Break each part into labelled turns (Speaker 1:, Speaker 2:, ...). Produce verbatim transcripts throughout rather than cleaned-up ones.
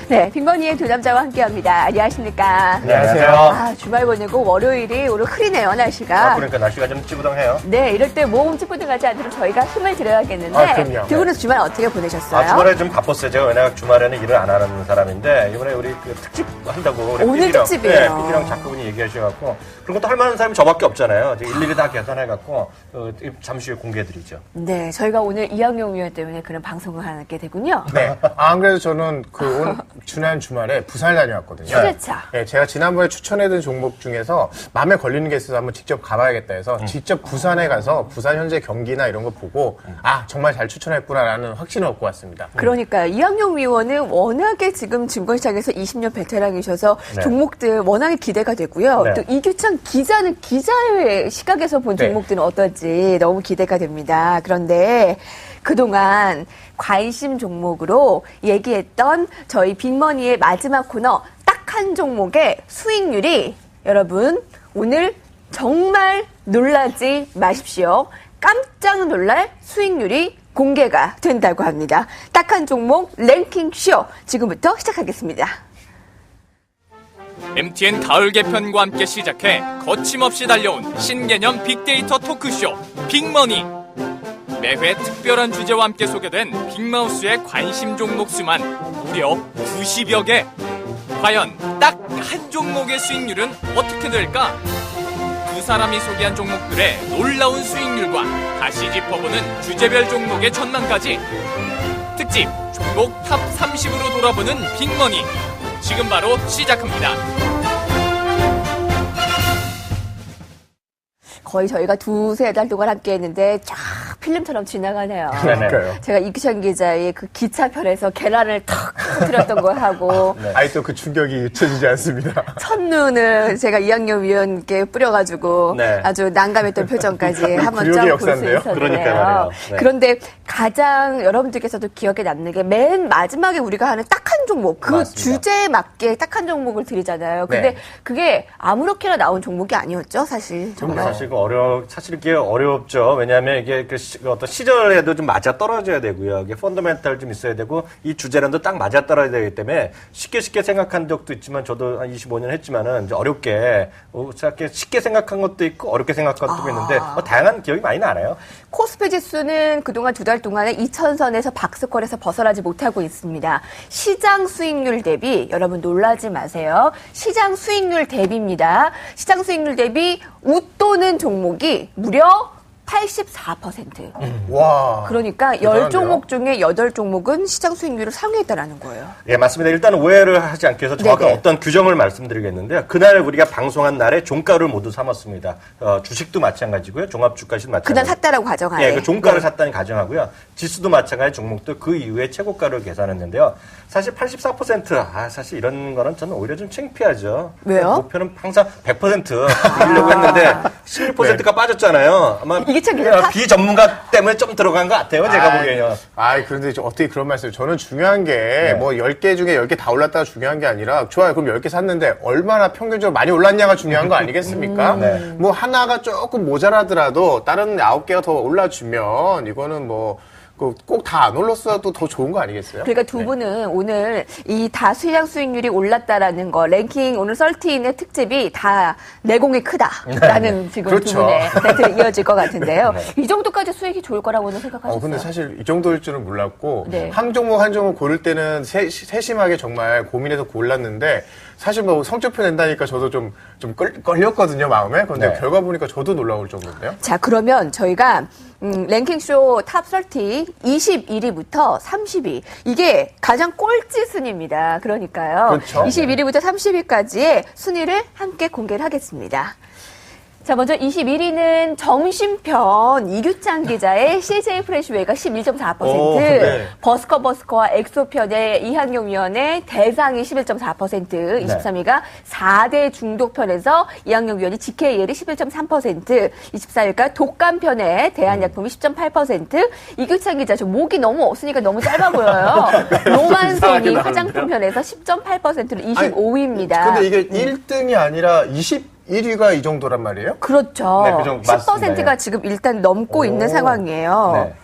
Speaker 1: 네, 빅머니의 두 남자와 함께합니다. 안녕하십니까?
Speaker 2: 안녕하세요.
Speaker 1: 아, 주말 보내고 월요일이 오늘 흐리네요, 날씨가.
Speaker 2: 아, 그러니까 날씨가 좀 찌부당해요.
Speaker 1: 네, 이럴 때 몸 찌뿌둥하지 않도록 저희가 힘을 드려야겠는데
Speaker 2: 아, 그럼요.
Speaker 1: 두 분은 주말 어떻게 보내셨어요?
Speaker 2: 아, 주말에 좀 바빴어요. 제가 왜냐면 주말에는 일을 안 하는 사람인데 이번에 우리 그 특집 한다고 우리
Speaker 1: 오늘
Speaker 2: 피디랑,
Speaker 1: 특집이에요.
Speaker 2: 네, 피디랑 작가분이 얘기하셔갖고 그런 것도 할 만한 사람이 저밖에 없잖아요. 이제 일일이 다 계산해갖고 어, 잠시 후에 공개해드리죠.
Speaker 1: 네, 저희가 오늘 이학용 위원 때문에 그런 방송을 하게 되군요.
Speaker 3: 네. 아, 안 그래도 저는 그 온, 지난 주말에 부산을 다녀왔거든요.
Speaker 1: 휴대차.
Speaker 3: 네, 제가 지난번에 추천해둔 종목 중에서 마음에 걸리는 게 있어서 한번 직접 가봐야겠다 해서 음. 직접 부산에 가서 부산 현재 경기나 이런 거 보고 음. 아, 정말 잘 추천했구나라는 확신을 얻고 왔습니다.
Speaker 1: 그러니까 음. 이학용 위원은 워낙에 지금 증권시장에서 이십 년 베테랑이셔서
Speaker 2: 네.
Speaker 1: 종목들 워낙에 기대가 되고요.
Speaker 2: 네.
Speaker 1: 또 이규찬 기자는 기자의 시각에서 본
Speaker 3: 네.
Speaker 1: 종목들은 어떨지 너무 기대가 됩니다. 그런데 그동안 관심 종목으로 얘기했던 저희 빅머니의 마지막 코너 딱 한 종목의 수익률이 여러분 오늘 정말 놀라지 마십시오. 깜짝 놀랄 수익률이 공개가 된다고 합니다. 딱 한 종목 랭킹쇼 지금부터 시작하겠습니다.
Speaker 4: 엠티엔 가을 개편과 함께 시작해 거침없이 달려온 신개념 빅데이터 토크쇼 빅머니. 매회 특별한 주제와 함께 소개된 빅마우스의 관심 종목 수만 무려 구십여 개. 과연 딱 한 종목의 수익률은 어떻게 될까? 두 사람이 소개한 종목들의 놀라운 수익률과 다시 짚어보는 주제별 종목의 전망까지 특집 종목 탑 삼십으로 돌아보는 빅머니 지금 바로 시작합니다.
Speaker 1: 거의 저희가 두세 달 동안 함께 했는데 쫙 필름처럼 지나가네요.
Speaker 3: 그러니까요.
Speaker 1: 제가 이규찬 기자의 그 기차편에서 계란을 탁 터뜨렸던 거 하고
Speaker 3: 네. 아직도 그 충격이 잊혀지지 않습니다.
Speaker 1: 첫눈을 제가 이학용 위원께 뿌려가지고
Speaker 2: 네.
Speaker 1: 아주 난감했던 표정까지 한번
Speaker 3: 굴욕의
Speaker 1: 쫙 볼 수
Speaker 3: 역사인데요?
Speaker 1: 있었는데요.
Speaker 2: 그러니까요, 말이에요. 네.
Speaker 1: 그런데 가장 여러분들께서도 기억에 남는 게 맨 마지막에 우리가 하는 딱 한 종목, 그
Speaker 2: 맞습니다.
Speaker 1: 주제에 맞게 딱 한 종목을 드리잖아요. 근데
Speaker 3: 네.
Speaker 1: 그게 아무렇게나 나온 종목이 아니었죠, 사실. 정말.
Speaker 2: 사실 그 어려 사실 이게 어렵죠. 왜냐하면 이게 그 시, 어떤 시절에도 좀 맞아 떨어져야 되고요. 이게 펀더멘탈 좀 있어야 되고 이 주제랑도 딱 맞아 떨어져야 되기 때문에 쉽게 쉽게 생각한 적도 있지만 저도 한 이십오 년 했지만은 이제 어렵게 어, 쉽게 생각한 것도 있고 어렵게 생각한 것도
Speaker 1: 아.
Speaker 2: 있는데 뭐 다양한 기억이 많이 나나요?
Speaker 1: 코스피 지수는 그동안 두 달 동안에 이천 선에서 박스권에서 벗어나지 못하고 있습니다. 시장 수익률 대비 여러분 놀라지 마세요. 시장 수익률 대비입니다. 시장 수익률 대비 웃도는 종목이 무려 팔십사 퍼센트.
Speaker 3: 와.
Speaker 1: 그러니까
Speaker 3: 대단한데요?
Speaker 1: 열 종목 중에 여덟 종목은 시장 수익률을 상회했다라는 거예요.
Speaker 2: 예, 맞습니다. 일단 오해를 하지 않기 위해서 정확한
Speaker 1: 네네.
Speaker 2: 어떤 규정을 말씀드리겠는데요. 그날 우리가 방송한 날에 종가를 모두 삼았습니다. 어, 주식도 마찬가지고요. 종합주가시도 마찬가지고.
Speaker 1: 그날 샀다라고 가정하에.
Speaker 2: 예, 그 종가를
Speaker 1: 네.
Speaker 2: 샀다는 가정하고요. 지수도 마찬가지 종목도 그 이후에 최고가를 계산했는데요. 사실 팔십사 퍼센트, 아, 사실 이런 거는 저는 오히려 좀 창피하죠.
Speaker 1: 왜요?
Speaker 2: 목표는 항상 백 퍼센트 이기려고 했는데 십육 퍼센트가 빠졌잖아요. 아마
Speaker 1: 이기찬 기자 탓-
Speaker 2: 비전문가 때문에 좀 들어간 것 같아요. 제가
Speaker 3: 아이,
Speaker 2: 보기에는.
Speaker 3: 아이, 그런데 저 어떻게 그런 말씀을. 저는 중요한 게, 뭐, 열 개 중에 열 개 다 올랐다가 중요한 게 아니라, 좋아요. 그럼 열 개 샀는데, 얼마나 평균적으로 많이 올랐냐가 중요한 거 아니겠습니까?
Speaker 2: 음, 네.
Speaker 3: 뭐, 하나가 조금 모자라더라도, 다른 아홉 개가 더 올라주면, 이거는 뭐, 꼭 다 안 올랐어도 더 좋은 거 아니겠어요?
Speaker 1: 그러니까 두 분은 오늘 이 다 시장 수익률이 올랐다라는 거, 랭킹 오늘 서른의 특집이 다 내공이 크다라는 지금 두
Speaker 3: 그렇죠.
Speaker 1: 분의 멘트가 이어질 것 같은데요.
Speaker 2: 네.
Speaker 1: 이 정도까지 수익이 좋을 거라고는 생각하셨어요?
Speaker 3: 어, 근데 사실 이 정도일 줄은 몰랐고,
Speaker 1: 네.
Speaker 3: 한 종목 한 종목 고를 때는 세, 세심하게 정말 고민해서 골랐는데, 사실 뭐 성적표 낸다니까 저도 좀, 좀 끌, 걸렸거든요, 마음에. 근데
Speaker 2: 네.
Speaker 3: 결과 보니까 저도 놀라울 정도인데요.
Speaker 1: 자, 그러면 저희가 음, 랭킹쇼 탑 삼십 이십일 위부터 삼십 위 이게 가장 꼴찌 순위입니다. 그러니까요.
Speaker 3: 그렇죠.
Speaker 1: 이십일 위부터 삼십 위까지의 순위를 함께 공개를 하겠습니다. 자, 먼저 이십일 위는 점심편 이규찬 기자의 씨제이 프레시웨이가 십일 점 사 퍼센트,
Speaker 3: 오, 네.
Speaker 1: 버스커 버스커와 엑소편의 이학용 위원의 대상이 십일 점 사 퍼센트, 이십삼 위가 사 대 중독편에서 이학용 위원이 지케이엘이 십일 점 삼 퍼센트, 이십사 위가 독감편의 대한약품이 십 점 팔 퍼센트, 이규찬 기자, 저 목이 너무 없으니까 너무 짧아 보여요. 로만손이 화장품편에서 십 점 팔 퍼센트로 이십오 위입니다.
Speaker 3: 근데 이게 일 등이 아니라 이십일 위가 이 정도랑 말이에요?
Speaker 1: 그렇죠.
Speaker 2: 네, 그 정도
Speaker 1: 십 퍼센트가
Speaker 2: 맞습니다.
Speaker 1: 지금 일단 넘고
Speaker 3: 오.
Speaker 1: 있는 상황이에요.
Speaker 2: 네.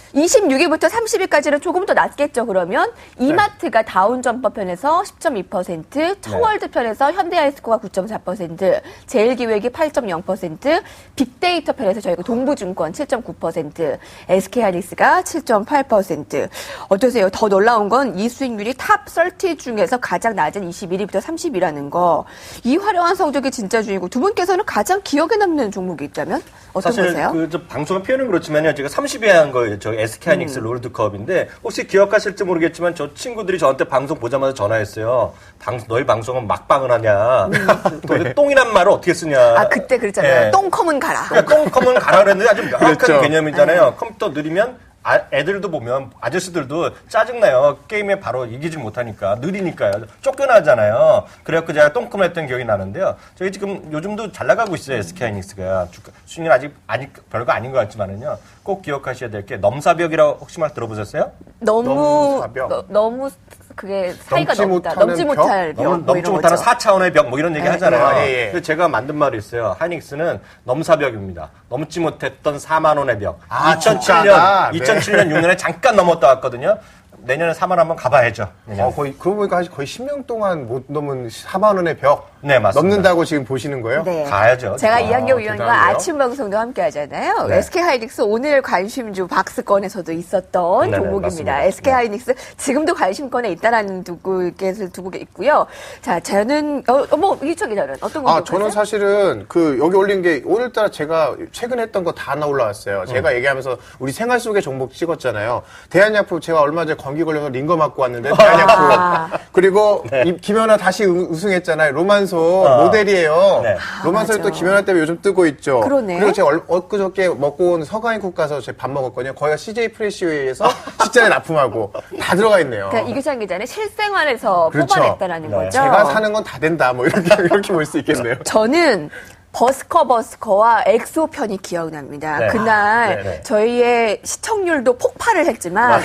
Speaker 1: 이십육 위부터 삼십 위까지는 조금 더 낮겠죠, 그러면. 이마트가 다운점퍼 편에서 십 점 이 퍼센트, 청월드 편에서 현대아이스코가 구 점 사 퍼센트, 제일기획이 팔 점 영 퍼센트, 빅데이터 편에서 저희가 동부증권 칠 점 구 퍼센트, 에스케이하이닉스가 칠 점 팔 퍼센트. 어떠세요? 더 놀라운 건 이 수익률이 탑 삼십 중에서 가장 낮은 이십일 위부터 삼십 위라는 거. 이 화려한 성적이 진짜 주인공. 두 분께서는 가장 기억에 남는 종목이 있다면 어떤
Speaker 2: 사실
Speaker 1: 거세요?
Speaker 2: 그 저 방송의 표현은 그렇지만요. 제가 삼십 위에 한 거예요. 저 에스케이하이닉스
Speaker 1: 음.
Speaker 2: 롤드컵인데 혹시 기억하실지 모르겠지만 저 친구들이 저한테 방송 보자마자 전화했어요. 방, 너희 방송은 막방을 하냐? 또 똥이란 말을 어떻게 쓰냐?
Speaker 1: 음. 아, 그때 그랬잖아요.
Speaker 2: 네.
Speaker 1: 똥컴은 가라.
Speaker 2: 그러니까 똥컴은 가라 그랬는데 아주 명확한
Speaker 3: 그랬죠.
Speaker 2: 개념이잖아요. 컴퓨터 느리면 아, 애들도 보면 아저씨들도 짜증나요. 게임에 바로 이기지 못하니까 느리니까요. 쫓겨나잖아요. 그래갖고 제가 똥컴을 했던 기억이 나는데요. 저희 지금 요즘도 잘 나가고 있어요. 에스케이하이닉스가 수익률 아직 아직 별거 아닌 것 같지만은요. 꼭 기억하셔야 될 게 넘사벽이라고 혹시 말 들어보셨어요?
Speaker 1: 너무
Speaker 3: 넘사벽.
Speaker 1: 너, 너무 그게 사이가
Speaker 3: 넘지
Speaker 1: 넘다.
Speaker 3: 못하는
Speaker 1: 넘지
Speaker 3: 벽?
Speaker 1: 못할 벽.
Speaker 2: 너무
Speaker 1: 뭐
Speaker 2: 넘지
Speaker 1: 이런
Speaker 2: 못하는
Speaker 1: 거죠.
Speaker 2: 사 차원의 벽 뭐 이런 얘기
Speaker 1: 네,
Speaker 2: 하잖아요.
Speaker 3: 네. 예, 예.
Speaker 2: 근데 제가 만든 말이 있어요. 하이닉스는 넘사벽입니다. 넘지 못했던 사만 원의 벽.
Speaker 3: 아,
Speaker 2: 이천칠 년,
Speaker 3: 진짜다. 네.
Speaker 2: 이천칠 년, 육 년에 잠깐 넘었다 왔거든요. 내년에 사만 한번 가봐야죠. 내년에.
Speaker 3: 어, 거의, 그러고 보니까 거의 십 년 동안 못 넘은 사만 원의 벽.
Speaker 2: 네, 맞습니다.
Speaker 3: 넘는다고 지금 보시는 거예요?
Speaker 1: 네.
Speaker 2: 가야죠.
Speaker 1: 제가
Speaker 2: 아,
Speaker 1: 이한경 위원과
Speaker 3: 대단한데요?
Speaker 1: 아침 방송도 함께 하잖아요.
Speaker 2: 네.
Speaker 1: 에스케이하이닉스 오늘 관심주 박스권에서도 있었던
Speaker 2: 네네,
Speaker 1: 종목입니다.
Speaker 2: 맞습니다.
Speaker 1: 에스케이하이닉스 지금도 관심권에 있다라는 두고 계속 두고 있고요. 자, 저는 어, 어, 뭐 이철 기자는 어떤 거
Speaker 3: 아, 저는 사실은 그 여기 올린 게 오늘따라 제가 최근 했던 거 다 올라왔어요. 제가 얘기하면서 우리 생활 속의 종목 찍었잖아요. 대한약품 제가 얼마 전에 감기 걸려서 링거 맞고 왔는데 대한약품.
Speaker 1: 아.
Speaker 3: 그리고 이 김연아 다시 우- 우승했잖아요. 로만소
Speaker 2: 어.
Speaker 3: 모델이에요.
Speaker 2: 네.
Speaker 3: 로만소에
Speaker 1: 맞아.
Speaker 3: 또 김연아 때문에 요즘 뜨고 있죠.
Speaker 1: 그러네.
Speaker 3: 그리고 제가 얼- 엊그저께 먹고 온 서강인국 가서 제가 밥 먹었거든요. 거기가 씨제이 프레시웨이에서 식자재 납품하고 다 들어가 있네요.
Speaker 1: 그러니까 이규찬 기자는 실생활에서
Speaker 3: 그렇죠.
Speaker 1: 뽑아냈다라는
Speaker 2: 네.
Speaker 1: 거죠.
Speaker 3: 제가 사는 건 다 된다. 뭐 이렇게 이렇게 볼 수 있겠네요.
Speaker 1: 저는 버스커 버스커와 엑소 편이 기억납니다.
Speaker 2: 네.
Speaker 1: 그날
Speaker 2: 네, 네.
Speaker 1: 저희의 시청률도 폭발을 했지만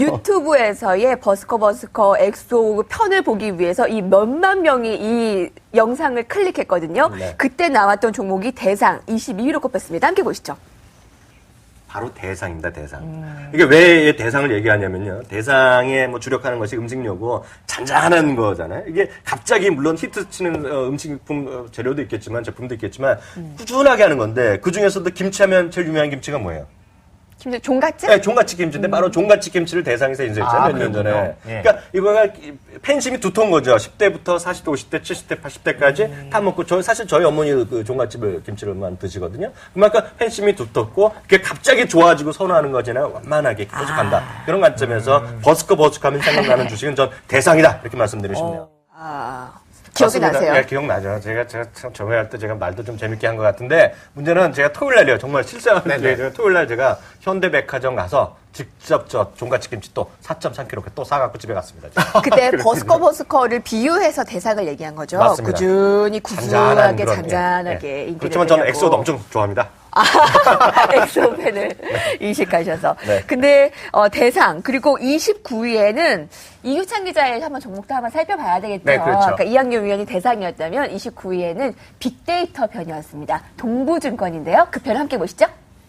Speaker 1: 유튜브에서의 버스커 버스커 엑소 편을 보기 위해서 이 몇만 명이 이 영상을 클릭했거든요.
Speaker 2: 네.
Speaker 1: 그때 나왔던 종목이 대상 이십이 위로 꼽혔습니다. 함께 보시죠.
Speaker 2: 바로 대상입니다, 대상.
Speaker 1: 음.
Speaker 2: 이게 왜 대상을 얘기하냐면요. 대상에 뭐 주력하는 것이 음식료고 잔잔한 거잖아요. 이게 갑자기 물론 히트 치는 어, 음식품 어, 재료도 있겠지만 제품도 있겠지만
Speaker 1: 음.
Speaker 2: 꾸준하게 하는 건데 그 중에서도 김치하면 제일 유명한 김치가 뭐예요?
Speaker 1: 김 종갓집?
Speaker 2: 네, 종갓집 김치인데 바로 종갓집 김치를 대상에서 인수했잖아요.
Speaker 3: 아,
Speaker 2: 몇 년 전에.
Speaker 3: 그렇군요. 예.
Speaker 2: 그러니까 이거가 팬심이 두터운 거죠. 십 대부터 사십 대, 오십 대, 칠십 대, 팔십 대까지
Speaker 3: 음.
Speaker 2: 다 먹고 저 사실 저희 어머니 그 종갓집을 김치를만 드시거든요. 그만큼 팬심이 두텁고 그게 갑자기 좋아지고 선호하는 거잖아요. 완만하게 계속 간다. 그런 관점에서
Speaker 3: 음.
Speaker 2: 버스커 버스커하면 생각나는 주식은 전 대상이다. 이렇게 말씀드리고 싶네요.
Speaker 1: 아, 기억이
Speaker 2: 맞습니다.
Speaker 1: 나세요?
Speaker 2: 네, 기억나죠. 제가, 제가 참 저번에 할 때 제가 말도 좀 재밌게 한 것 같은데, 문제는 제가 토요일 날이에요. 정말 실생활
Speaker 3: 네네.
Speaker 2: 기회죠. 토요일 날 제가 현대백화점 가서 직접 저 종갓집 김치 또 사 점 삼 킬로그램 또 사갖고 집에 갔습니다. 제가.
Speaker 1: 그때 버스커 버스커를 비유해서 대상을 얘기한 거죠.
Speaker 2: 맞습니다.
Speaker 1: 꾸준히
Speaker 2: 잔잔한
Speaker 1: 구수하게
Speaker 2: 그런,
Speaker 1: 잔잔하게
Speaker 2: 예, 예.
Speaker 1: 인기를
Speaker 2: 그렇지만 저는
Speaker 1: 끌려고.
Speaker 2: 엑소도 엄청 좋아합니다.
Speaker 1: 엑소팬을 이식하셔서.
Speaker 2: 네.
Speaker 1: 근데 어, 대상 그리고 이십구 위에는 이규찬 기자의 한번 종목도 한번 살펴봐야 되겠죠.
Speaker 3: 네, 그렇죠.
Speaker 1: 그러니까 이학용 위원이 대상이었다면 이십구 위에는 빅데이터 편이었습니다. 동부증권인데요. 그 편 함께 보시죠.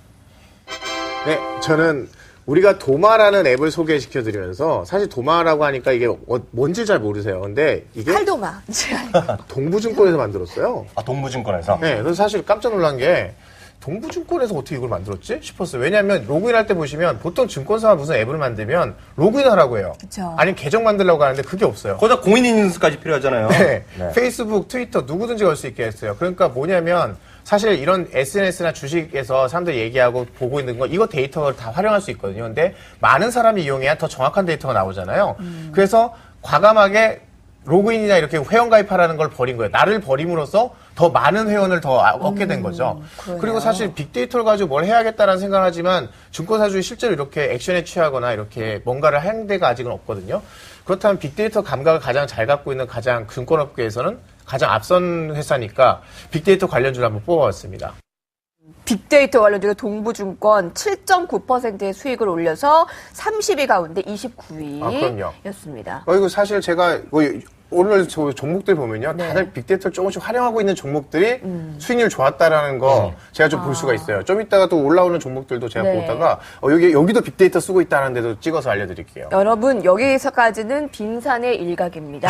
Speaker 3: 네, 저는 우리가 도마라는 앱을 소개시켜드리면서 사실 도마라고 하니까 이게 어- 뭔지 잘 모르세요. 근데 이게
Speaker 1: 칼도마.
Speaker 3: 동부증권에서 만들었어요.
Speaker 2: 아, 동부증권에서.
Speaker 3: 네, 그래서 사실 깜짝 놀란 게 동부증권에서 어떻게 이걸 만들었지 싶었어요. 왜냐하면 로그인할 때 보시면 보통 증권사가 무슨 앱을 만들면 로그인하라고 해요.
Speaker 1: 그쵸.
Speaker 3: 아니면 계정 만들려고 하는데 그게 없어요.
Speaker 2: 거기다 공인인증서까지 필요하잖아요.
Speaker 3: 네.
Speaker 2: 네.
Speaker 3: 페이스북, 트위터 누구든지 걸 수 있게 했어요. 그러니까 뭐냐면 사실 이런 에스엔에스나 주식에서 사람들이 얘기하고 보고 있는 거 이거 데이터를 다 활용할 수 있거든요. 근데 많은 사람이 이용해야 더 정확한 데이터가 나오잖아요.
Speaker 1: 음.
Speaker 3: 그래서 과감하게 로그인이나 이렇게 회원가입하라는 걸 버린 거예요. 나를 버림으로써 더 많은 회원을 더 아- 얻게 된 거죠.
Speaker 1: 음, 그러네요.
Speaker 3: 그리고 사실 빅데이터를 가지고 뭘 해야겠다라는 생각을 하지만 증권사주에 실제로 이렇게 액션에 취하거나 이렇게 뭔가를 하는 데가 아직은 없거든요. 그렇다면 빅데이터 감각을 가장 잘 갖고 있는 가장 증권업계에서는 가장 앞선 회사니까 빅데이터 관련주를 한번 뽑아봤습니다.
Speaker 1: 빅데이터 관련주로 동부증권 칠 점 구 퍼센트의 수익을 올려서 삼십 위 가운데 이십구
Speaker 3: 아, 그럼요.
Speaker 1: 위였습니다.
Speaker 3: 어, 이거 사실 제가 뭐 오늘 저 종목들 보면요.
Speaker 1: 네.
Speaker 3: 다들 빅데이터를 조금씩 활용하고 있는 종목들이 수익률 좋았다라는 거 제가 좀 볼 수가 있어요. 좀 이따가 또 올라오는 종목들도 제가
Speaker 1: 네.
Speaker 3: 보다가 어, 여기, 여기도 빅데이터 쓰고 있다는 데도 찍어서 알려드릴게요.
Speaker 1: 여러분, 여기서까지는 빙산의 일각입니다.